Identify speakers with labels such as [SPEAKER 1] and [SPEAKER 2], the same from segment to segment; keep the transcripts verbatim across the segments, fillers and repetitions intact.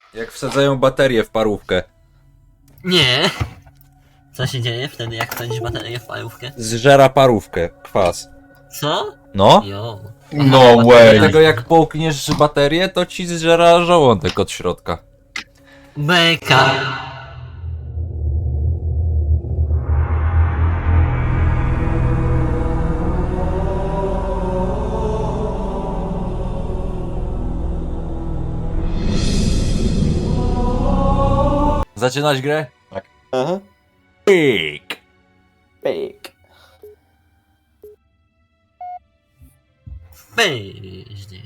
[SPEAKER 1] Jak wsadzają baterię w parówkę.
[SPEAKER 2] Nie. Co się dzieje wtedy, jak wsadzisz baterię w parówkę?
[SPEAKER 1] Zżera parówkę, kwas.
[SPEAKER 2] Co?
[SPEAKER 1] No?
[SPEAKER 2] Jo.
[SPEAKER 3] No
[SPEAKER 2] Aha,
[SPEAKER 3] way.
[SPEAKER 1] Dlatego jak połkniesz baterię, to ci zżera żołądek od środka.
[SPEAKER 2] Beka.
[SPEAKER 1] Zaczynać grę?
[SPEAKER 3] Tak.
[SPEAKER 4] Aha.
[SPEAKER 1] Pyk!
[SPEAKER 4] Pyk.
[SPEAKER 2] Pyździe.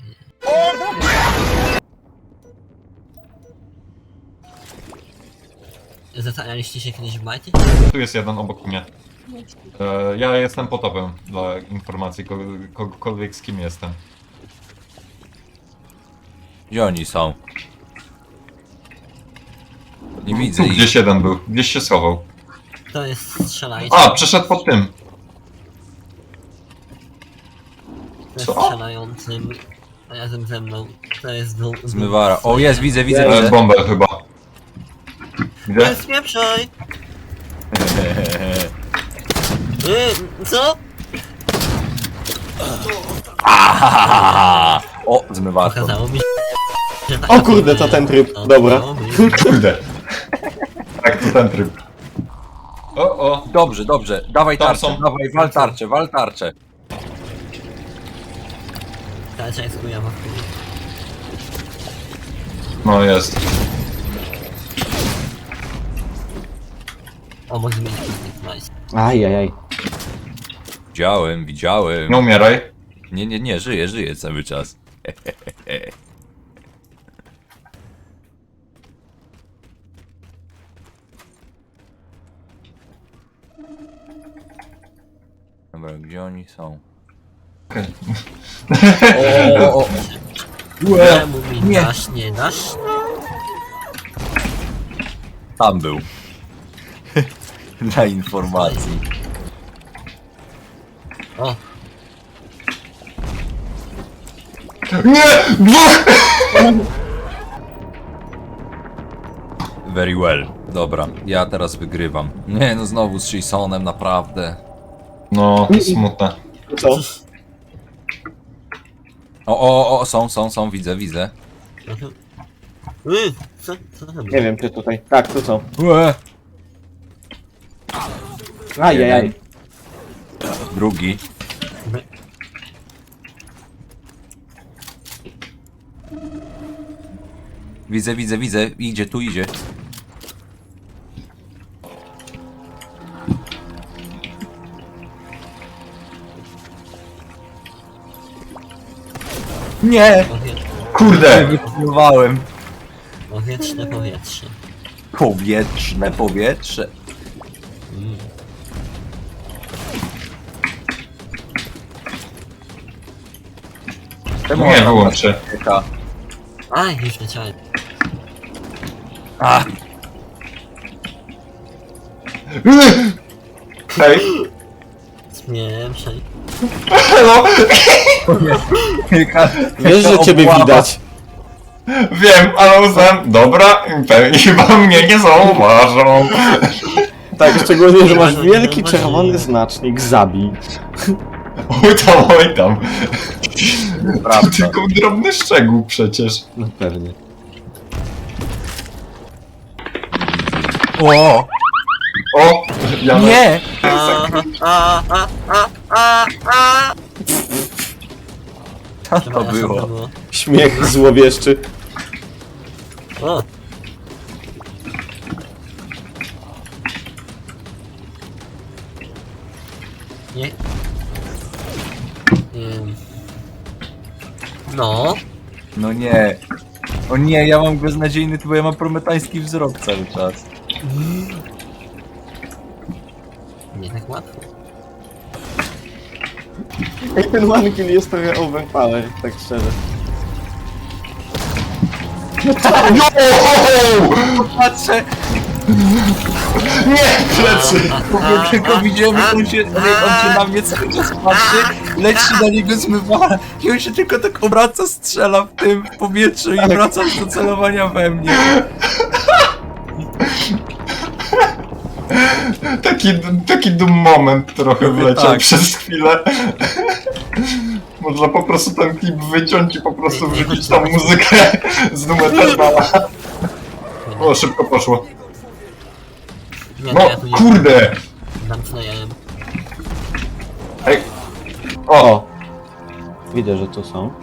[SPEAKER 2] Zastanawialiście się kiedyś w Mighty?
[SPEAKER 3] Tu jest jeden obok mnie. E, ja jestem potopem dla informacji kogo, kogokolwiek z kim jestem.
[SPEAKER 1] Gdzie oni są? Nie widzę
[SPEAKER 3] Tu
[SPEAKER 1] ich.
[SPEAKER 3] gdzieś jeden był, gdzieś się schował.
[SPEAKER 2] To jest strzelajcie.
[SPEAKER 3] A, przeszedł pod tym.
[SPEAKER 2] To jest
[SPEAKER 3] co?
[SPEAKER 2] strzelającym razem ze mną. To jest dół.
[SPEAKER 1] Zmywara. O, jest, widzę, widzę,
[SPEAKER 3] E,
[SPEAKER 1] widzę.
[SPEAKER 3] bombę chyba. Gdzie?
[SPEAKER 2] Nie spieprzaj! Yy, co?
[SPEAKER 1] O, zmywarką.
[SPEAKER 2] Okazało mi się, że tak
[SPEAKER 4] O kurde, to ten tryb. Dobra.
[SPEAKER 3] Kurde. Tak, to ten tryb. O, o.
[SPEAKER 1] Dobrze, dobrze. Dawaj
[SPEAKER 3] Tam
[SPEAKER 1] tarczę,
[SPEAKER 3] są.
[SPEAKER 1] dawaj, wal tarczę, wal tarczę.
[SPEAKER 2] Tarcza jest chujowa.
[SPEAKER 3] No jest.
[SPEAKER 2] O, może zmienić nice.
[SPEAKER 4] Ajajaj.
[SPEAKER 1] Widziałem, widziałem.
[SPEAKER 3] Nie umieraj.
[SPEAKER 1] Nie, nie, nie, żyję, żyję cały czas. Dobra, gdzie oni są?
[SPEAKER 3] Okej.
[SPEAKER 1] O, o, o.
[SPEAKER 2] Czemu mi
[SPEAKER 1] nie.
[SPEAKER 2] dasz, nie dasz?
[SPEAKER 1] Tam był. Dla informacji.
[SPEAKER 2] O,
[SPEAKER 3] Nie! Dwóch!
[SPEAKER 1] Very well. Dobra, ja teraz wygrywam. Nie no, znowu z Jasonem, naprawdę.
[SPEAKER 3] No, smutne.
[SPEAKER 4] Co?
[SPEAKER 1] O, o, o, są, są, są, widzę, widzę.
[SPEAKER 2] no to... Yy, co, co to
[SPEAKER 4] Nie
[SPEAKER 2] było?
[SPEAKER 4] wiem, czy tutaj. Tak, tu są.
[SPEAKER 1] Ue.
[SPEAKER 4] Ajajaj.
[SPEAKER 1] Drugi. Widzę, widzę, widzę. Idzie, tu idzie. Nie!
[SPEAKER 2] Powie...
[SPEAKER 3] Kurde!
[SPEAKER 1] Wypływałem.
[SPEAKER 2] Powietrzne powietrze.
[SPEAKER 1] Powietrzne powietrze.
[SPEAKER 2] Mm.
[SPEAKER 1] Czemu
[SPEAKER 3] Nie,
[SPEAKER 1] ona
[SPEAKER 3] wyłączę.
[SPEAKER 1] taka-
[SPEAKER 2] Aj, już leciałem.
[SPEAKER 1] A,
[SPEAKER 3] Hej!
[SPEAKER 2] Spieprzaj.
[SPEAKER 3] Hello!
[SPEAKER 4] Wiesz, że ciebie widać.
[SPEAKER 3] Wiem, ale uznałem, dobra, pewnie chyba mnie nie zauważą.
[SPEAKER 4] Tak, szczególnie, że masz wielki czerwony znacznik zabij.
[SPEAKER 3] Oj tam, oj tam. To
[SPEAKER 1] Prawda.
[SPEAKER 3] tylko drobny szczegół przecież.
[SPEAKER 4] No pewnie.
[SPEAKER 1] O!
[SPEAKER 3] O! Ja
[SPEAKER 1] Nie!
[SPEAKER 2] A, a, a, a, a, a.
[SPEAKER 1] Co to
[SPEAKER 2] Przepraszam,
[SPEAKER 1] było?
[SPEAKER 4] Śmiech złowieszczy.
[SPEAKER 2] O, nie. Ym. No,
[SPEAKER 1] No nie. O nie, ja mam beznadziejny, bo ja mam prometański wzrok cały czas.
[SPEAKER 2] nie tak łatwo.
[SPEAKER 4] Jak ten one kill jest trochę overpower, tak szczerze.
[SPEAKER 3] No!
[SPEAKER 1] Patrzę,
[SPEAKER 3] Nie, plecy!
[SPEAKER 1] Ja tylko widziałem, jak on się, jak on się na mnie cały czas patrzy, leci na niego zmywala i on się tylko tak obraca, strzela w tym w powietrzu i wraca do celowania we mnie.
[SPEAKER 3] Taki, taki dum moment trochę
[SPEAKER 1] Mówię,
[SPEAKER 3] wleciał
[SPEAKER 1] tak.
[SPEAKER 3] przez chwilę. Można po prostu ten klip wyciąć i po prostu wrzucić tam muzykę z numerala. O, szybko poszło.
[SPEAKER 2] Nie,
[SPEAKER 3] No,
[SPEAKER 2] to ja tu nie
[SPEAKER 3] kurde!
[SPEAKER 2] zamknąłem.
[SPEAKER 3] Ej! O!
[SPEAKER 4] O! Widzę, że tu są.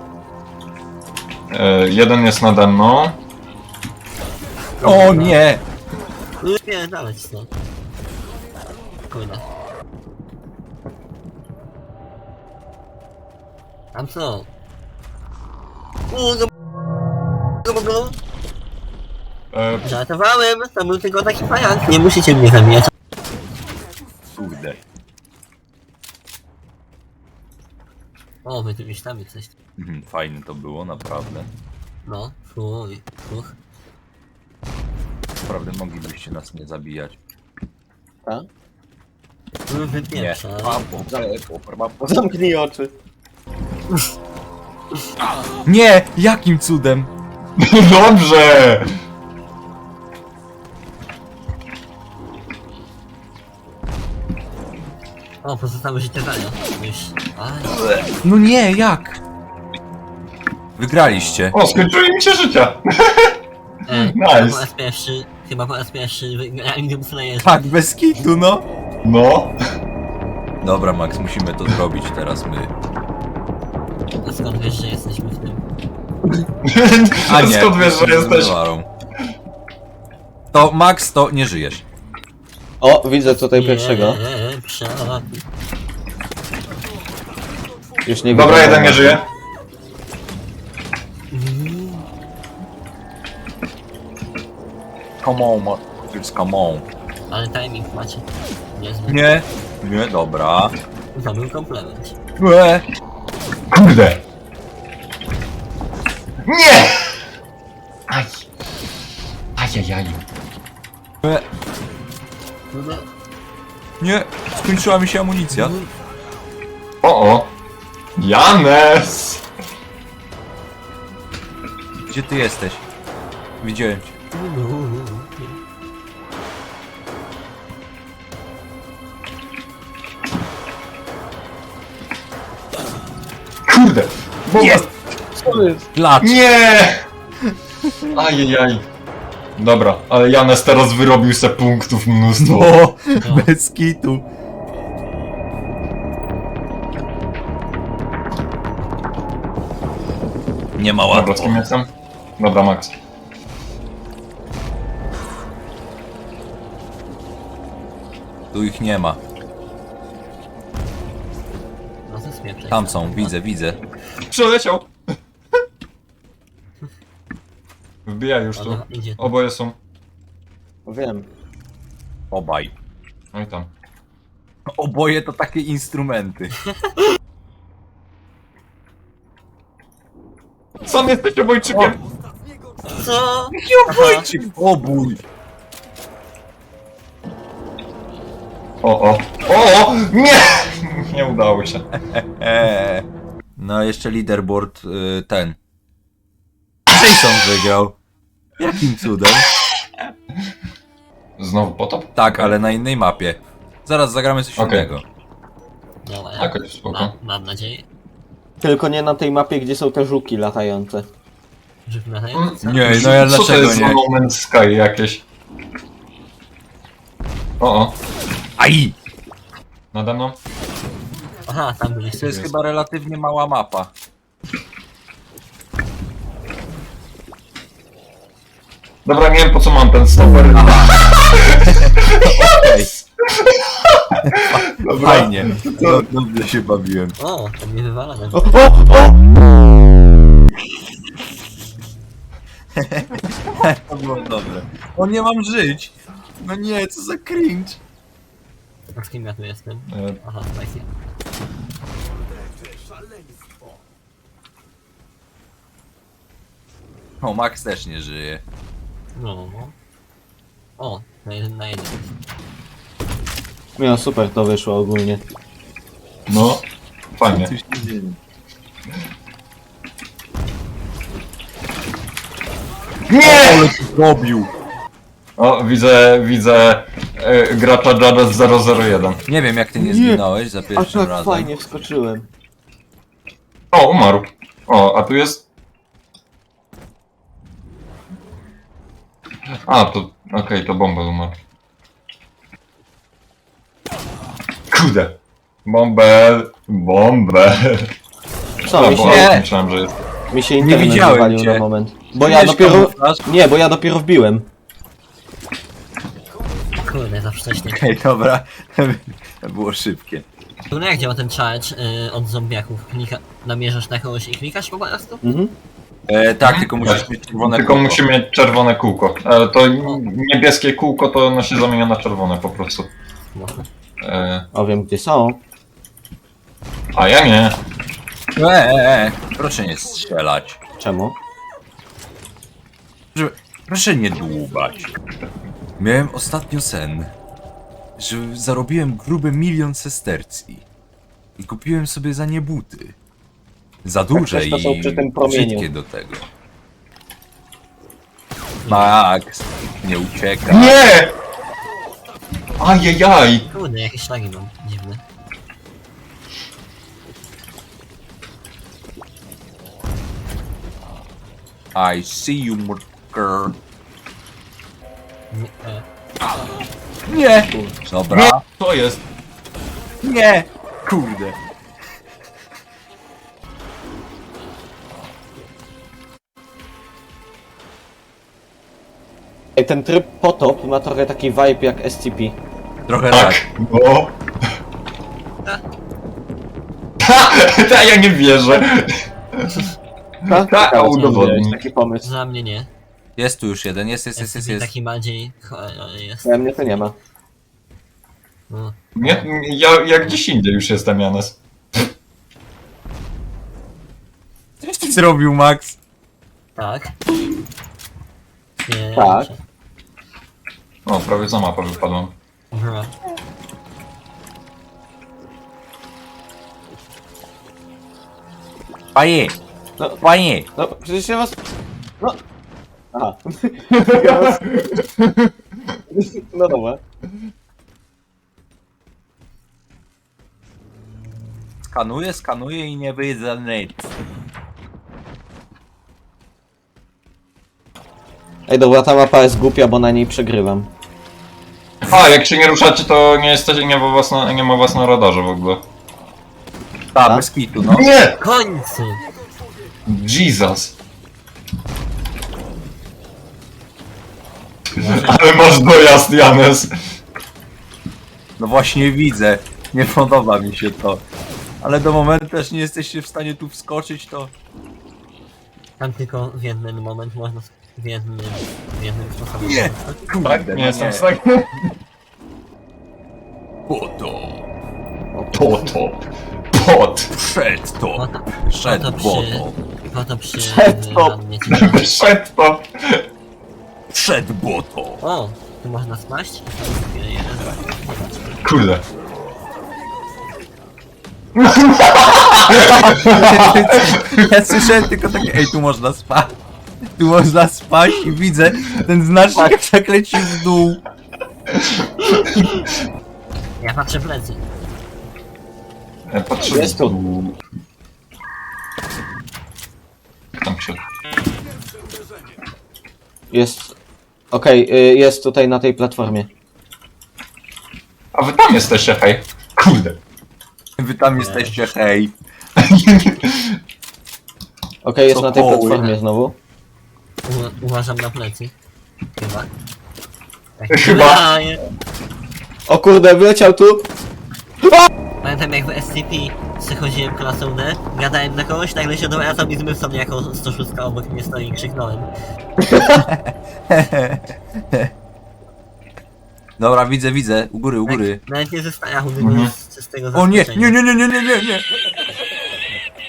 [SPEAKER 3] E, jeden jest nade mną.
[SPEAKER 1] O nie!
[SPEAKER 2] Nie, dawać stąd. Kurde. Tam są. Uuu, go... go... go...
[SPEAKER 3] E,
[SPEAKER 2] Żartowałem, to był tylko taki pająk. Nie musicie mnie zabijać.
[SPEAKER 1] Kurde.
[SPEAKER 2] O, wy tu już tam coś.
[SPEAKER 1] Mhm, fajne to było, naprawdę.
[SPEAKER 2] No, fuj, fuch.
[SPEAKER 1] Naprawdę moglibyście nas nie zabijać.
[SPEAKER 4] Tak?
[SPEAKER 2] No,
[SPEAKER 1] Nie.
[SPEAKER 2] wypieprza.
[SPEAKER 4] Zamknij oczy.
[SPEAKER 1] Nie! Jakim cudem?
[SPEAKER 3] Dobrze!
[SPEAKER 2] O, pozostałe życie dają. Już. Aj.
[SPEAKER 1] No nie, jak? Wygraliście.
[SPEAKER 3] O, skończyły mi się życia!
[SPEAKER 2] E,
[SPEAKER 3] Nice.
[SPEAKER 2] Chyba po raz pierwszy, chyba po raz pierwszy wygrałem Doom Slayer.
[SPEAKER 1] Tak, bez kitu, no.
[SPEAKER 3] No.
[SPEAKER 1] Dobra, Max, musimy to zrobić teraz my.
[SPEAKER 2] A skąd wiesz, że jesteśmy w tym?
[SPEAKER 1] A nie,
[SPEAKER 3] Skąd wiesz, że jesteś?
[SPEAKER 1] Warą. To Max, to nie żyjesz.
[SPEAKER 4] O, widzę tutaj pierwszego.
[SPEAKER 2] Pieprza.
[SPEAKER 4] Już nie
[SPEAKER 3] Dobra,
[SPEAKER 4] widzę.
[SPEAKER 3] jeden nie żyje.
[SPEAKER 1] Come on, Max, come on.
[SPEAKER 2] Ale timing macie. Niezły.
[SPEAKER 1] Nie, nie, dobra.
[SPEAKER 2] To był komplement.
[SPEAKER 1] Łe.
[SPEAKER 3] Kurde! Nie! Aj! Ajajaj.
[SPEAKER 1] Łe.
[SPEAKER 2] No,
[SPEAKER 1] Nie, skończyła mi się amunicja.
[SPEAKER 3] O o! Janes!
[SPEAKER 1] Gdzie ty jesteś? Widziałem cię.
[SPEAKER 3] Kurde! Bomba.
[SPEAKER 1] Jest! Klacz!
[SPEAKER 3] Nie! Ajajaj. Dobra, ale Janes teraz wyrobił se punktów mnóstwo.
[SPEAKER 1] O, bez kitu. Nie ma
[SPEAKER 3] Dobra,
[SPEAKER 1] łatwo.
[SPEAKER 3] z kim jestem? Dobra, Max.
[SPEAKER 1] Tu ich nie ma.
[SPEAKER 2] no to spieprzaj.
[SPEAKER 1] Tam są, widzę, widzę.
[SPEAKER 3] Przeleciał! Wbijaj już tu.
[SPEAKER 2] Dobra, idzie.
[SPEAKER 3] Oboje są.
[SPEAKER 4] Wiem.
[SPEAKER 1] Obaj.
[SPEAKER 3] Oj tam.
[SPEAKER 1] Oboje to takie instrumenty.
[SPEAKER 3] Sam jesteś obojczykiem!
[SPEAKER 2] Co?
[SPEAKER 1] Jaki obojczyk? Obój!
[SPEAKER 3] O, o. O, o! Nie! Nie udało się.
[SPEAKER 1] Eee. No jeszcze leaderboard y, ten. Jason wygrał. Jakim cudem?
[SPEAKER 3] Znowu potop?
[SPEAKER 1] Tak, ale na innej mapie. Zaraz zagramy coś
[SPEAKER 3] Okej.
[SPEAKER 1] innego.
[SPEAKER 2] Dobra,
[SPEAKER 3] Jakoś spoko.
[SPEAKER 2] ma, mam nadzieję,
[SPEAKER 4] Tylko nie na tej mapie, gdzie są te żuki latające.
[SPEAKER 2] że w
[SPEAKER 3] Mm,
[SPEAKER 2] latające.
[SPEAKER 1] Nie, no ja
[SPEAKER 3] Co to
[SPEAKER 1] dlaczego
[SPEAKER 3] jest za
[SPEAKER 1] nie?
[SPEAKER 3] No Man's Sky jakieś? O, o.
[SPEAKER 1] Aj!
[SPEAKER 3] Nade mną?
[SPEAKER 2] Aha, tam byliście.
[SPEAKER 1] To jest chyba relatywnie mała mapa.
[SPEAKER 3] Dobra, nie wiem po co mam ten stoper.
[SPEAKER 1] Okej,
[SPEAKER 3] Dobra.
[SPEAKER 1] fajnie. No, dobrze się bawiłem.
[SPEAKER 2] O, to mnie wywala na
[SPEAKER 4] O, o, o!
[SPEAKER 1] To było dobre. O, nie mam żyć! No nie, co za cringe.
[SPEAKER 2] A z kim ja tu jestem?
[SPEAKER 3] E,
[SPEAKER 2] Aha, spicy.
[SPEAKER 1] O, Max też nie żyje.
[SPEAKER 2] No. O, na jeden na jeden.
[SPEAKER 4] No super to wyszło ogólnie.
[SPEAKER 3] No, fajnie.
[SPEAKER 1] Co się dzieje?
[SPEAKER 3] Nie!
[SPEAKER 1] Ale ty zrobił!
[SPEAKER 3] O, widzę, widzę y, gracza Jadez zero zero jeden.
[SPEAKER 1] Nie wiem jak ty nie
[SPEAKER 4] Nie.
[SPEAKER 1] zginąłeś za
[SPEAKER 4] A
[SPEAKER 1] pierwszym
[SPEAKER 4] tak
[SPEAKER 1] razem.
[SPEAKER 4] fajnie wskoczyłem.
[SPEAKER 3] O, umarł. O, a tu jest... A, to... Okej, to Bąbel umarł. Kurde. Bąbel, Bąbel.
[SPEAKER 4] Co,
[SPEAKER 3] A,
[SPEAKER 4] mi
[SPEAKER 3] bo
[SPEAKER 4] się,
[SPEAKER 1] Nie.
[SPEAKER 3] myślałem, że jest...
[SPEAKER 4] mi się internet
[SPEAKER 1] widziałem
[SPEAKER 4] wywalił
[SPEAKER 1] cię.
[SPEAKER 4] na moment. Bo ja
[SPEAKER 1] Wiesz,
[SPEAKER 4] dopiero...
[SPEAKER 1] kamuflaż?
[SPEAKER 4] Nie, bo ja dopiero wbiłem.
[SPEAKER 2] Kurde, za wcześnie.
[SPEAKER 1] Okej, dobra. To było szybkie.
[SPEAKER 2] Kurde, jak działa ten charge y, od zombiaków? Klika, namierzasz na kogoś i klikasz po prostu?
[SPEAKER 4] Mhm.
[SPEAKER 1] E, tak, tylko musisz mieć czerwone
[SPEAKER 3] Tylko
[SPEAKER 1] kółko.
[SPEAKER 3] musi mieć czerwone kółko. E, to niebieskie kółko to ono się zamienia na czerwone po prostu.
[SPEAKER 2] Może.
[SPEAKER 3] E,
[SPEAKER 4] O, wiem gdzie są.
[SPEAKER 3] a ja nie.
[SPEAKER 1] E, e, e, proszę nie strzelać.
[SPEAKER 4] Czemu?
[SPEAKER 1] Proszę, proszę nie dłubać. Miałem ostatnio sen, że zarobiłem gruby milion sestercji i kupiłem sobie za nie buty. Za duże
[SPEAKER 4] coś to są
[SPEAKER 1] i
[SPEAKER 4] przy tym promieniu.
[SPEAKER 1] brzydkie do tego. Max, nie uciekaj.
[SPEAKER 3] Nie! Ajajaj!
[SPEAKER 2] Kurde, jakieś szlagi mam dziwne.
[SPEAKER 1] I see you, murder.
[SPEAKER 2] Nie, e,
[SPEAKER 1] Nie! Dobra.
[SPEAKER 3] To jest...
[SPEAKER 1] Nie! Kurde.
[SPEAKER 4] Ej, ten tryb potop ma trochę taki vibe jak S C P.
[SPEAKER 1] Trochę tak.
[SPEAKER 3] Tak, no.
[SPEAKER 2] Ta.
[SPEAKER 3] Ta, ja nie wierzę.
[SPEAKER 4] Tak,
[SPEAKER 3] Tak, a udowodnij.
[SPEAKER 4] taki pomysł.
[SPEAKER 2] Dla mnie nie.
[SPEAKER 1] Jest tu już jeden, jest, jest, jest, jest.
[SPEAKER 2] S C P
[SPEAKER 1] jest.
[SPEAKER 2] taki bardziej... cho- e, jest.
[SPEAKER 4] Ja mnie to nie ma.
[SPEAKER 2] No.
[SPEAKER 3] Nie, ja, ja gdzieś indziej już jestem, Janes.
[SPEAKER 1] Coś ty zrobił, Max?
[SPEAKER 2] Tak. Nie,
[SPEAKER 4] Tak.
[SPEAKER 2] muszę.
[SPEAKER 3] O, prawie za mapę wypadłem.
[SPEAKER 2] Bra.
[SPEAKER 1] Panie!
[SPEAKER 4] No,
[SPEAKER 1] Panie!
[SPEAKER 4] no przecież ja was... No... Aha. Ja was... No dobra.
[SPEAKER 1] Skanuję, skanuję i nie wyjdę nic.
[SPEAKER 4] Ej dobra, ta mapa jest głupia, bo na niej przegrywam.
[SPEAKER 3] A, jak się nie ruszacie, to nie jesteście, nie ma was na, nie ma was na radarze w ogóle.
[SPEAKER 1] Tak,
[SPEAKER 4] Tak?
[SPEAKER 1] bez kitu, no.
[SPEAKER 3] Nie!
[SPEAKER 2] W końcu!
[SPEAKER 3] Jesus. Ale masz dojazd, Janes.
[SPEAKER 1] No właśnie widzę. Nie podoba mi się to. Ale do momentu też nie jesteście w stanie tu wskoczyć, to...
[SPEAKER 2] Tam tylko w jednym moment można... W jednym... W jednym sposobie...
[SPEAKER 1] Nie! Kurde,
[SPEAKER 3] Tak?
[SPEAKER 1] no
[SPEAKER 3] Nie jestem w stanie.
[SPEAKER 1] Po to.
[SPEAKER 3] To to. Pot.
[SPEAKER 1] Przed to.
[SPEAKER 2] Po to,
[SPEAKER 1] Przed
[SPEAKER 2] po to przy...
[SPEAKER 1] błoto.
[SPEAKER 2] Po to przy...
[SPEAKER 4] Przed to.
[SPEAKER 2] wannie ci-
[SPEAKER 3] Szedł to.
[SPEAKER 1] Przed błoto.
[SPEAKER 2] O! Tu można spaść?
[SPEAKER 3] Kurde.
[SPEAKER 1] Ja słyszałem tylko takie, ej, tu można spać. Tu można spać i widzę ten znacznik jak tak leci w dół.
[SPEAKER 2] Ja patrzę w plecy.
[SPEAKER 3] Ja patrzę.
[SPEAKER 4] Jest tu.
[SPEAKER 3] Tam się.
[SPEAKER 4] Jest... Okej, y, jest tutaj na tej platformie.
[SPEAKER 3] A wy tam jesteście, hej. Kurde.
[SPEAKER 1] Wy tam jesteście, hej.
[SPEAKER 4] Okej, jest
[SPEAKER 1] Co
[SPEAKER 4] na tej
[SPEAKER 1] poły?
[SPEAKER 4] platformie znowu.
[SPEAKER 2] U uważam na plecy. Chyba. Tak,
[SPEAKER 3] Chyba.
[SPEAKER 2] A, nie.
[SPEAKER 4] O kurde, wyleciał tu!
[SPEAKER 2] Pamiętam jak w S C P przychodziłem klasą D, gadałem na kogoś, nagle się dowracam i zmysł sobie jako sto sześć obok mnie stoi i krzyknąłem.
[SPEAKER 1] Dobra, widzę, widzę. U góry, u góry.
[SPEAKER 2] Tak, nawet nie ze strachu, tylko
[SPEAKER 3] Mhm.
[SPEAKER 2] z czystego
[SPEAKER 1] O nie,
[SPEAKER 2] zaskoczenia.
[SPEAKER 1] nie, nie, nie, nie, nie, nie, nie.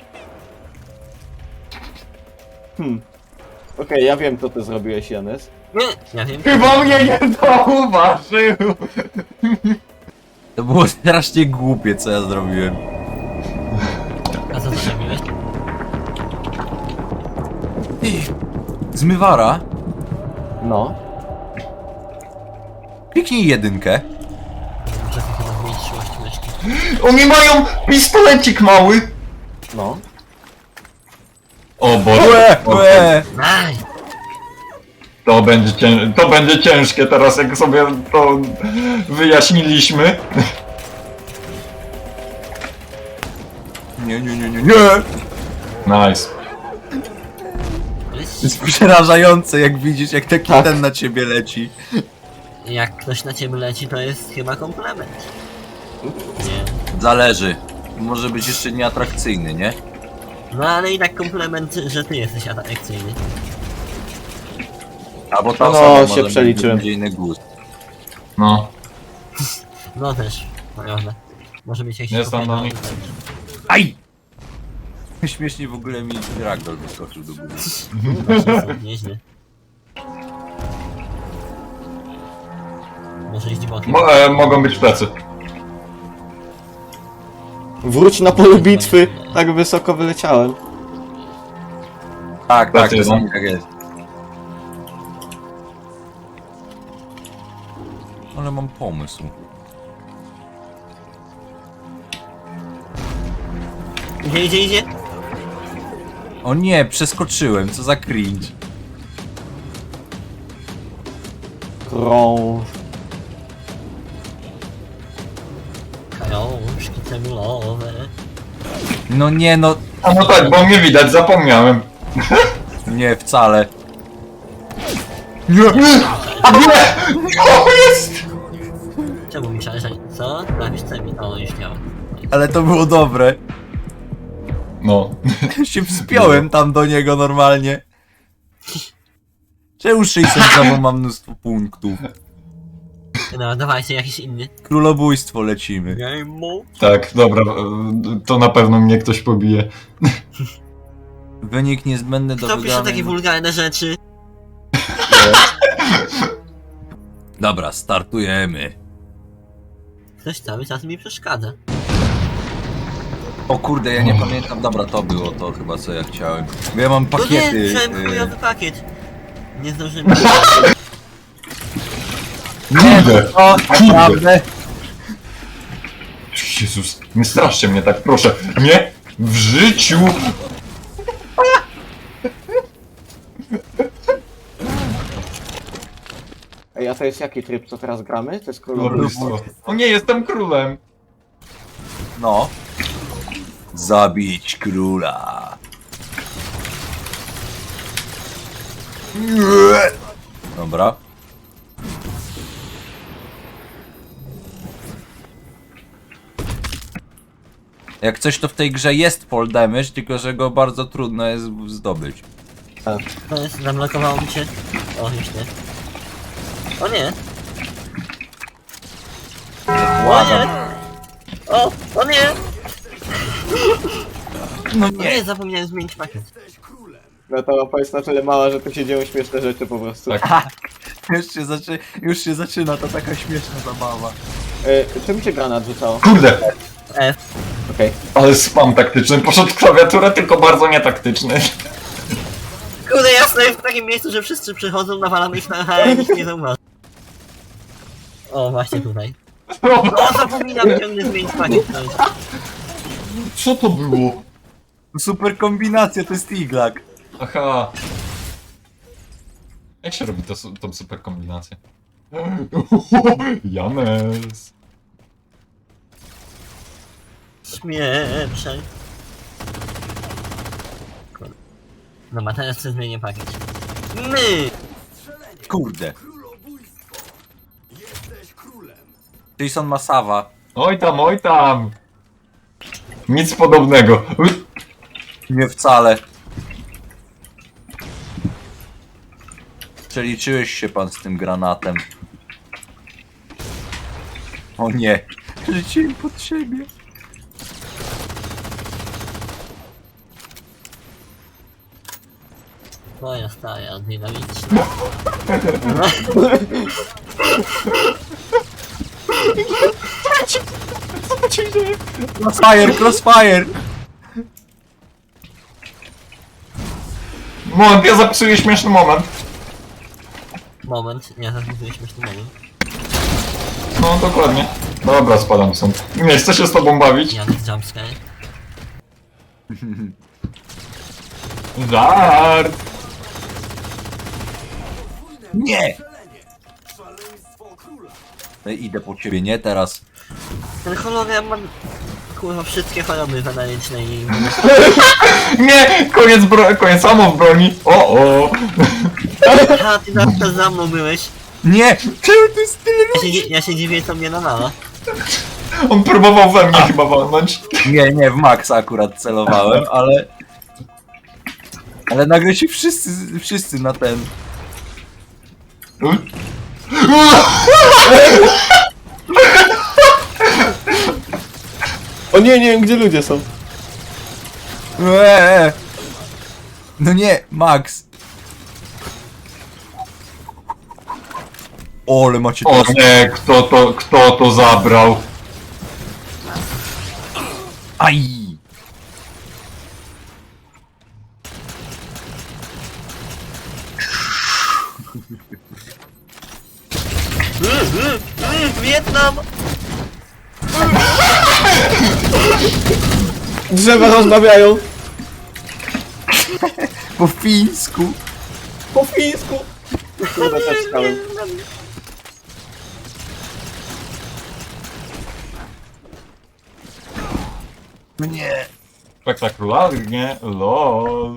[SPEAKER 4] Hmm. Okej, ja wiem co ty zrobiłeś, Janes.
[SPEAKER 2] Nie, ja wiem.
[SPEAKER 3] Chyba mnie nie zauważył!
[SPEAKER 1] To było strasznie głupie, co ja zrobiłem.
[SPEAKER 2] A co zrobiłeś?
[SPEAKER 1] Ty, zmywara,
[SPEAKER 4] No.
[SPEAKER 1] kliknij jedynkę.
[SPEAKER 2] Muszę chyba zmienić czułość myszki.
[SPEAKER 3] Oni mają pistolecik mały!
[SPEAKER 4] No.
[SPEAKER 3] O Boże.
[SPEAKER 1] Łe, łe.
[SPEAKER 2] Aj!
[SPEAKER 3] To będzie, cię... to będzie ciężkie teraz, jak sobie to wyjaśniliśmy.
[SPEAKER 1] Nie, nie, nie, nie, nie.
[SPEAKER 3] Nice.
[SPEAKER 1] To jest przerażające, jak widzisz, jak taki
[SPEAKER 4] Tak.
[SPEAKER 1] ten na ciebie leci.
[SPEAKER 2] Jak ktoś na ciebie leci, to jest chyba komplement. Nie.
[SPEAKER 1] Zależy. Może być jeszcze nieatrakcyjny, nie?
[SPEAKER 2] No ale i tak komplement, że ty jesteś atrakcyjny.
[SPEAKER 1] Albo ta
[SPEAKER 4] No,
[SPEAKER 1] osoba
[SPEAKER 4] się
[SPEAKER 1] może
[SPEAKER 4] przeliczyłem.
[SPEAKER 1] mieć inny gust.
[SPEAKER 3] No.
[SPEAKER 2] No też, naprawdę. Może mieć jakiś
[SPEAKER 3] Jest tam do nich.
[SPEAKER 1] Aj! Śmiesznie w ogóle mi ragdoll wyskoczył do góry.
[SPEAKER 2] Właśnie, nieźle. Może iść bokiem.
[SPEAKER 3] Mo e, mogą być plecy.
[SPEAKER 4] Wróć na pole bitwy. Tak wysoko wyleciałem.
[SPEAKER 1] Tak, tak,
[SPEAKER 3] Plecy
[SPEAKER 1] to
[SPEAKER 3] jeden.
[SPEAKER 1] tak jest. Ale mam pomysł.
[SPEAKER 2] Idzie, idzie, idzie!
[SPEAKER 1] O nie, przeskoczyłem, co za cringe.
[SPEAKER 4] Krąż.
[SPEAKER 2] Krążki celulowe.
[SPEAKER 1] No nie, no
[SPEAKER 3] A no tak, bo mnie widać, zapomniałem.
[SPEAKER 1] nie, wcale.
[SPEAKER 3] Nie! Nie! O, jest!
[SPEAKER 2] Czemu mi szależać? Co? Napisz co mi? O, już miałem.
[SPEAKER 1] Ale to było dobre.
[SPEAKER 3] No.
[SPEAKER 1] Się wspiąłem tam do niego normalnie. Czemu sześćset mam mnóstwo punktów?
[SPEAKER 2] No, dawajcie jakiś inny.
[SPEAKER 1] Królobójstwo lecimy.
[SPEAKER 2] Game mode.
[SPEAKER 3] Tak, dobra, e, to na pewno mnie ktoś pobije.
[SPEAKER 1] Wynik niezbędny do
[SPEAKER 2] Kto pisze
[SPEAKER 1] wygranej.
[SPEAKER 2] takie wulgarne rzeczy?
[SPEAKER 1] Dobra, startujemy.
[SPEAKER 2] Ktoś cały czas mi przeszkadza.
[SPEAKER 1] O kurde, ja nie pamiętam. Dobra, to było to chyba, co ja chciałem. Bo ja mam
[SPEAKER 2] No nie,
[SPEAKER 1] pakiety.
[SPEAKER 2] wziąłem
[SPEAKER 1] y,
[SPEAKER 2] chujowy pakiet. Nie zdążyłem.
[SPEAKER 1] Nie,
[SPEAKER 3] Kurde!
[SPEAKER 1] o, naprawdę.
[SPEAKER 3] Jezus, nie straszcie mnie tak, proszę. Nie! W życiu!
[SPEAKER 4] Ej, a to jest jaki tryb, co teraz gramy? To jest królobójstwo.
[SPEAKER 3] Królobójstwo. O nie, jestem królem!
[SPEAKER 1] No. Zabić króla. Nie. Dobra. Jak coś, to w tej grze jest fall damage, tylko że go bardzo trudno jest zdobyć.
[SPEAKER 2] To jest, zablokowało mi się. O, już nie. O nie! O nie! O! O nie!
[SPEAKER 1] No
[SPEAKER 2] O nie, zapomniałem zmienić pakiet.
[SPEAKER 4] No ta mapa jest na tyle mała, że tu się dzieją śmieszne rzeczy po prostu.
[SPEAKER 3] Tak.
[SPEAKER 1] Już się, zaczy... Już się zaczyna, to taka śmieszna zabawa.
[SPEAKER 4] E, czym się granat rzucało?
[SPEAKER 3] Kurde!
[SPEAKER 2] F.
[SPEAKER 4] Okej.
[SPEAKER 3] Ale spam taktyczny, poszedł w klawiaturę, tylko bardzo nietaktyczny.
[SPEAKER 2] Kurde, ja stoję w takim miejscu, że wszyscy przychodzą, nawalamy ich na H i nikt nie zauważy. O, właśnie tutaj. O, zapominam ciągle zmienić pakiet. No,
[SPEAKER 3] Co to było?
[SPEAKER 1] Super kombinacja, to jest iglak.
[SPEAKER 3] Aha. Jak się robi to, su- tą super kombinację? Janes.
[SPEAKER 2] śmieszaj. Kurde. No, a teraz sobie zmienię pakiet. My!
[SPEAKER 1] Kurde. Jason ma Sawa.
[SPEAKER 3] Oj tam, oj tam. Nic podobnego.
[SPEAKER 1] Nie wcale. Przeliczyłeś się pan z tym granatem. O nie. Rzuciłem pod siebie.
[SPEAKER 2] Twoja stara, dynamiczna.
[SPEAKER 1] Crossfire, crossfire!
[SPEAKER 3] Moment, ja zapisuję śmieszny moment.
[SPEAKER 2] Moment, nie, zaraz śmieszny moment.
[SPEAKER 3] No, dokładnie. Dobra, spadam stąd. Nie chcę się z tobą bawić.
[SPEAKER 2] Janek jumpscare.
[SPEAKER 3] Żart!
[SPEAKER 1] Nie! No i idę po ciebie, nie teraz.
[SPEAKER 2] Ten hologram ma... Kurwa, wszystkie choroby weneryczne i...
[SPEAKER 3] Nie! Koniec, bro koniec ammo w broni! O, o!
[SPEAKER 2] Ha, ty zawsze to za mną byłeś.
[SPEAKER 1] Nie! Czemu to jest tyle
[SPEAKER 2] Ja się, dzi- ja się dziwię, co mnie nawala.
[SPEAKER 3] On próbował we mnie chyba walnąć.
[SPEAKER 1] Nie, nie, w Maxa akurat celowałem, ale... Ale nagle się wszyscy, wszyscy na ten...
[SPEAKER 4] O nie, nie wiem gdzie ludzie są.
[SPEAKER 1] Eee! No nie, Max! O, ale macie
[SPEAKER 3] O
[SPEAKER 1] teraz...
[SPEAKER 3] nie, kto to, kto to zabrał?
[SPEAKER 1] Aj!
[SPEAKER 2] Mm, mm, mm, Wietnam!
[SPEAKER 4] Drzewa rozmawiają.
[SPEAKER 1] Po fińsku!
[SPEAKER 4] Po fińsku. Kurde, też stałem.
[SPEAKER 1] Nie!
[SPEAKER 3] Spektakularnie, lol.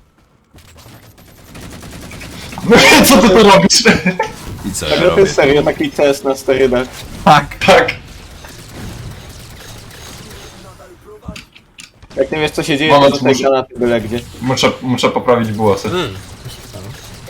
[SPEAKER 3] No i co ty tu robisz?
[SPEAKER 1] I co
[SPEAKER 4] Tak,
[SPEAKER 1] ja
[SPEAKER 4] to
[SPEAKER 1] robię?
[SPEAKER 4] jest serio taki test na sterydach.
[SPEAKER 1] Tak!
[SPEAKER 3] Tak.
[SPEAKER 4] Jak nie wiesz co się dzieje,
[SPEAKER 3] Moment,
[SPEAKER 4] to tej
[SPEAKER 3] muszę-
[SPEAKER 4] granaty byle gdzie.
[SPEAKER 3] Muszę, muszę poprawić głosy.
[SPEAKER 2] Mm, co się stało?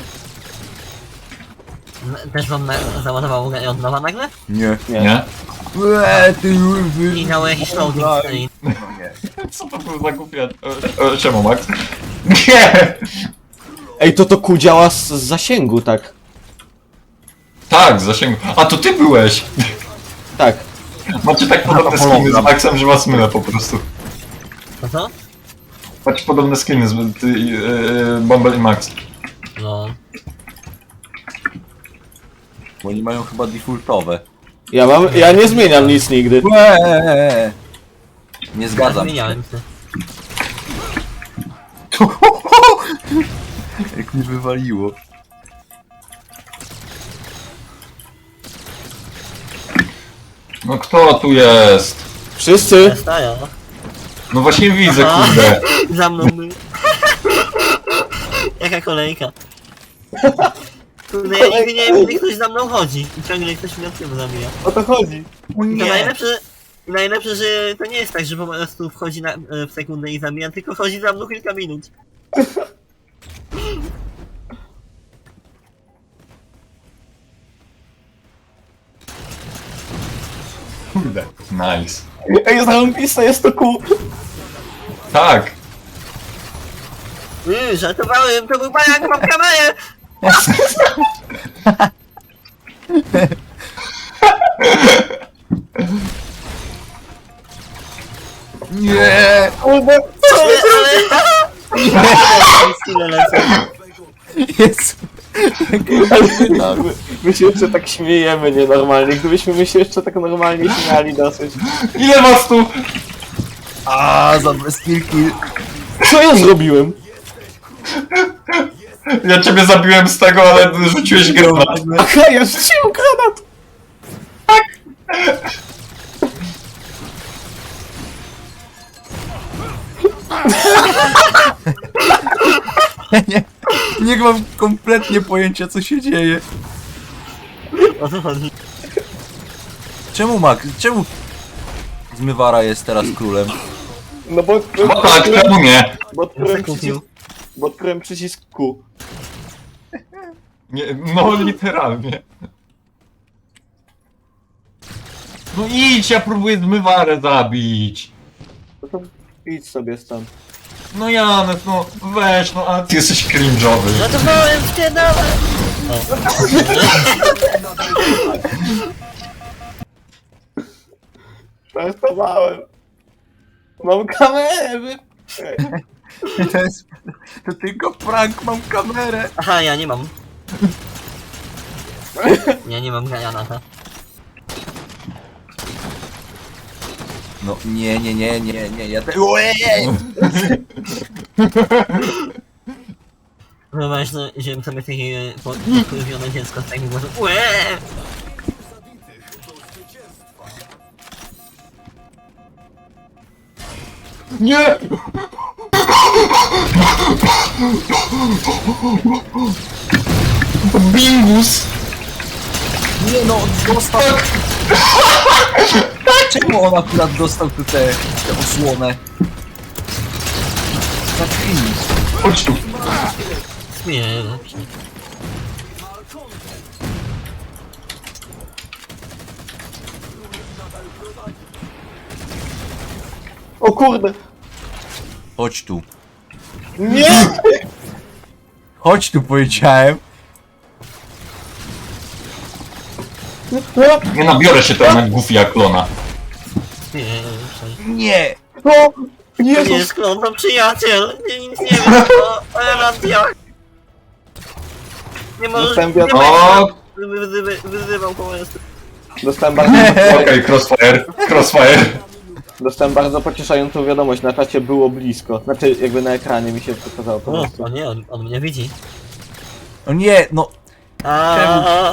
[SPEAKER 2] N- Też wam na- załadowało grę od nowa nagle?
[SPEAKER 1] Nie.
[SPEAKER 4] Nie.
[SPEAKER 3] Nie?
[SPEAKER 1] Eee, ty wy...
[SPEAKER 2] I miało jakiś loading screen.
[SPEAKER 1] No nie.
[SPEAKER 3] Co to był za głupia... E, e, Czemu, Max? Nie!
[SPEAKER 4] Ej, to to ku działa z, z zasięgu, tak.
[SPEAKER 3] Tak, zasięgu. A to ty byłeś!
[SPEAKER 4] Tak.
[SPEAKER 3] Macie tak podobne
[SPEAKER 1] to
[SPEAKER 3] skiny z
[SPEAKER 1] hologram.
[SPEAKER 3] Maxem, że was mylę po prostu.
[SPEAKER 2] To co?
[SPEAKER 3] Macie podobne skiny z ty, yy, Bumble i Max.
[SPEAKER 2] No.
[SPEAKER 1] Bo oni mają chyba defaultowe.
[SPEAKER 4] Ja mam, ja nie zmieniam nic nigdy.
[SPEAKER 1] Eee, nie
[SPEAKER 2] Ja
[SPEAKER 1] zgadzam się.
[SPEAKER 2] zmieniałem się.
[SPEAKER 1] Jak mi wywaliło.
[SPEAKER 3] No kto tu jest?
[SPEAKER 4] Wszyscy?
[SPEAKER 2] Staja.
[SPEAKER 3] No właśnie widzę,
[SPEAKER 2] Aha.
[SPEAKER 3] kurde.
[SPEAKER 2] Za mną był. Jaka kolejka. Kurde, ja nigdy nie wiem, gdy ktoś za mną chodzi. I ciągle ktoś mnie od tyłu zabija.
[SPEAKER 4] O to chodzi.
[SPEAKER 1] O
[SPEAKER 2] I to
[SPEAKER 1] nie!
[SPEAKER 2] najlepsze, i najlepsze, że to nie jest tak, że po prostu wchodzi na, e, w sekundę i zabija, tylko chodzi za mną kilka minut.
[SPEAKER 3] Kurde. Nice.
[SPEAKER 4] Ej, zarąbiste jest to ku.
[SPEAKER 3] Tak.
[SPEAKER 2] Yy, żartowałem, to był pajak, mam kamerę!
[SPEAKER 1] Nie!
[SPEAKER 4] Kurde.
[SPEAKER 2] Ale, ale... Chwilę lecę.
[SPEAKER 1] Jezu!
[SPEAKER 4] Ale my, my się jeszcze tak śmiejemy nienormalnie. Gdybyśmy my się jeszcze tak normalnie śmiali dosyć.
[SPEAKER 3] Ile was tu?
[SPEAKER 1] A za bez kilki.
[SPEAKER 4] Co ja zrobiłem?
[SPEAKER 3] Ja ciebie zabiłem z tego, ale rzuciłeś granat.
[SPEAKER 4] Aha, ja rzuciłem granat!
[SPEAKER 1] Ja nie, nie mam kompletnie pojęcia co się dzieje.
[SPEAKER 2] O co chodzi?
[SPEAKER 1] Czemu Max? Czemu Zmywara jest teraz królem?
[SPEAKER 4] No bo...
[SPEAKER 3] No tak, czemu nie?
[SPEAKER 4] Bo odkryłem
[SPEAKER 2] Kupił.
[SPEAKER 4] przycisk... Bo odkryłem przycisk Q.
[SPEAKER 3] nie? No literalnie. No idź, ja próbuję zmywarę zabić.
[SPEAKER 4] No to idź sobie stąd.
[SPEAKER 3] No Janek, no weź, no a ty jesteś cringe'owy.
[SPEAKER 2] Ratowałem cię, dawaj! O.
[SPEAKER 4] Żartowałem. Mam kamerę, wy...
[SPEAKER 1] To jest... To tylko prank, mam kamerę.
[SPEAKER 2] Aha, ja nie mam. Ja nie mam granata.
[SPEAKER 1] No nie, nie, nie, nie, nie, ja te... Ojej!
[SPEAKER 2] Wyobraź, no, że sobie takie podkurwione dziecko z takim głosem. Łe!
[SPEAKER 3] Nie! Bingus!
[SPEAKER 1] Nie no, dostał... Czemu on akurat dostał tu tę tę osłonę? Za cringe.
[SPEAKER 3] Chodź tu.
[SPEAKER 2] Śmieję.
[SPEAKER 4] O kurde!
[SPEAKER 1] Chodź tu.
[SPEAKER 4] Nie!
[SPEAKER 1] Chodź tu, powiedziałem.
[SPEAKER 3] Nie nabiorę się teraz na Goofy jak klona.
[SPEAKER 2] Śmieję.
[SPEAKER 1] Nie!
[SPEAKER 4] O!
[SPEAKER 2] To nie
[SPEAKER 4] Jezus!
[SPEAKER 2] jest klon, to przyjaciel! Nie, nic nie wiem, o Elandia! Nie możesz...
[SPEAKER 4] Dostałem
[SPEAKER 2] Nie
[SPEAKER 4] wiadomo-
[SPEAKER 3] O!
[SPEAKER 2] będę wyzywy, wyzywał komuś.
[SPEAKER 4] Dostałem bardzo,
[SPEAKER 3] Okej, crossfire, crossfire.
[SPEAKER 4] dostałem bardzo pocieszającą wiadomość. Na czacie było blisko. Znaczy, jakby na ekranie mi się pokazało po
[SPEAKER 2] O,
[SPEAKER 4] prostu.
[SPEAKER 2] o nie, on, on mnie widzi.
[SPEAKER 1] O nie, no...
[SPEAKER 2] A,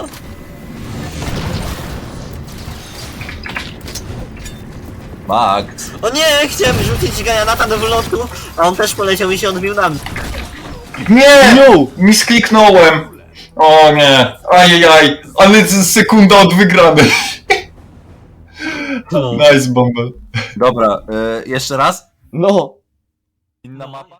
[SPEAKER 1] Max.
[SPEAKER 2] O nie, chciałem rzucić granata do wylotu, a on też poleciał i się odbił na mnie.
[SPEAKER 3] Nie!
[SPEAKER 4] No!
[SPEAKER 3] Miskliknąłem! O nie! Ajajaj! Ale z- sekunda od wygranej.
[SPEAKER 2] No.
[SPEAKER 3] Nice, Bumble.
[SPEAKER 1] Dobra, y, jeszcze raz?
[SPEAKER 4] No!
[SPEAKER 1] Inna mapa?